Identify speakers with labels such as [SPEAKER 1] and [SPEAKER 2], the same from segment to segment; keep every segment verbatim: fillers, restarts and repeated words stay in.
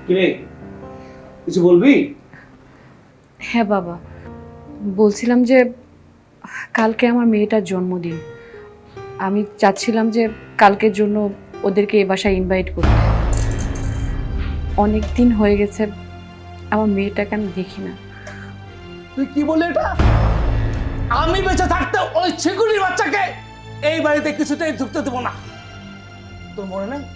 [SPEAKER 1] কিরে কিছু বলবি?
[SPEAKER 2] হ্যাঁ বাবা, বলছিলাম যে কালকে আমার মেয়েটার জন্মদিন। আমি চাচ্ছিলাম যে কালকের জন্য ওদেরকে এ বাসায় ইনভাইট করতে। অনেক দিন হয়ে গেছে আমার মেয়েটাকে আমি দেখি না।
[SPEAKER 1] তুই কি বলে এটা? আমি বেঁচে থাকতে ওই ছিগুলির বাচ্চাকে এই বাড়িতে কিছুতেই ঢুকতে দেবো না। তোর মনে নেই?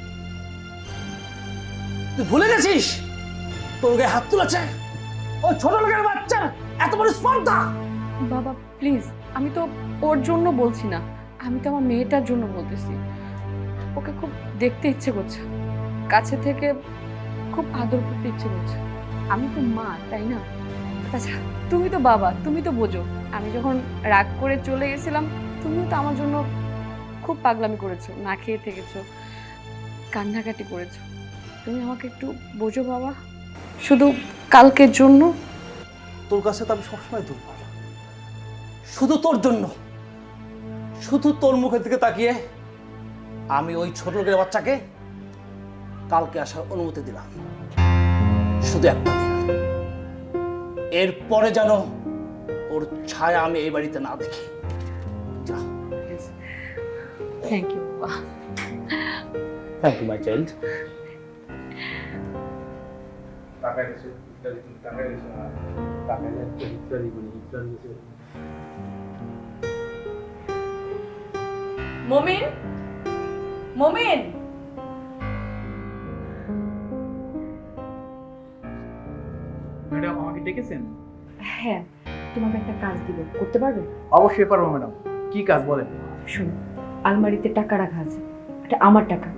[SPEAKER 1] তুই ভুলে গেছিস তোর গায়ে হাত তুলেছে ওই ছোট লোকের বাচ্চার এত বড় স্পর্ধা?
[SPEAKER 2] বাবা প্লিজ, আমি তো ওর জন্য বলছি না, আমি তো আমার মেয়েটার জন্য বলতেছি। ওকে খুব দেখতে ইচ্ছে করছে, কাছে থেকে খুব আদর করতে ইচ্ছে করছে। আমি তো মা, তাই না? আচ্ছা, তুমি তো বাবা, তুমি তো বোঝো। আমি যখন রাগ করে চলে গেছিলাম, তুমিও তো আমার জন্য খুব পাগলামি করেছো, না খেয়ে থেকেছো, কান্নাকাটি করেছো। তুমি আমাকে একটু বোঝো বাবা, শুধু কালকের জন্য।
[SPEAKER 1] তোর কাছে তো আমি সবসময় দুর্বল, শুধু তোর জন্য, শুধু তোর মুখের দিকে তাকিয়ে আমি ওই ছোট লোকের বাচ্চাকে কালকে আসার অনুমতি দিলাম, শুধু একটা দিন। এরপরে যেন ওর ছায়া আমি এই বাড়িতে না দেখি। যা।
[SPEAKER 2] থ্যাংক ইউ বাবা।
[SPEAKER 1] Thank you my child.
[SPEAKER 2] Momin, Momin.
[SPEAKER 3] Madam আমাকে ডেকেছেন?
[SPEAKER 2] হ্যাঁ, তোমাকে একটা কাজ দিব, করতে পারবে?
[SPEAKER 3] অবশ্যই পারবো ম্যাডাম। কি কাজ বলেন?
[SPEAKER 2] শোনো, আলমারিতে টাকা রাখা আছে, এটা আমার টাকা।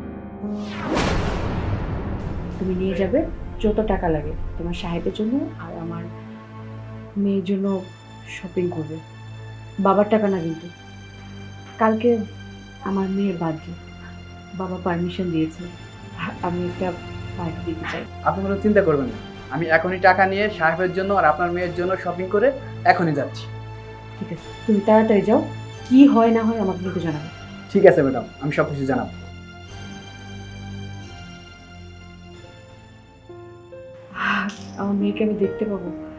[SPEAKER 2] তুমি নিয়ে যাবে, যত টাকা লাগে তোমার সাহেবের জন্য আর আমার মেয়ের জন্য শপিং করবে। বাবার টাকা না কিন্তু। কালকে আমার মেয়ের বার্থডে, বাবা পারমিশন দিয়েছে, আমি একটা পার্টি দিতে চাই।
[SPEAKER 3] আপনি কোনো চিন্তা করবেন না, আমি এখনই টাকা নিয়ে সাহেবের জন্য আর আপনার মেয়ের জন্য শপিং করে এখনই যাচ্ছি।
[SPEAKER 2] ঠিক আছে, তুমি তাড়াতাড়ি যাও, কি হয় না হয় আমাকে কিন্তু জানাবে।
[SPEAKER 3] ঠিক আছে ম্যাডাম, আমি সব কিছু জানাবো।
[SPEAKER 2] আমার মেয়েকে আমি দেখতে পাবো?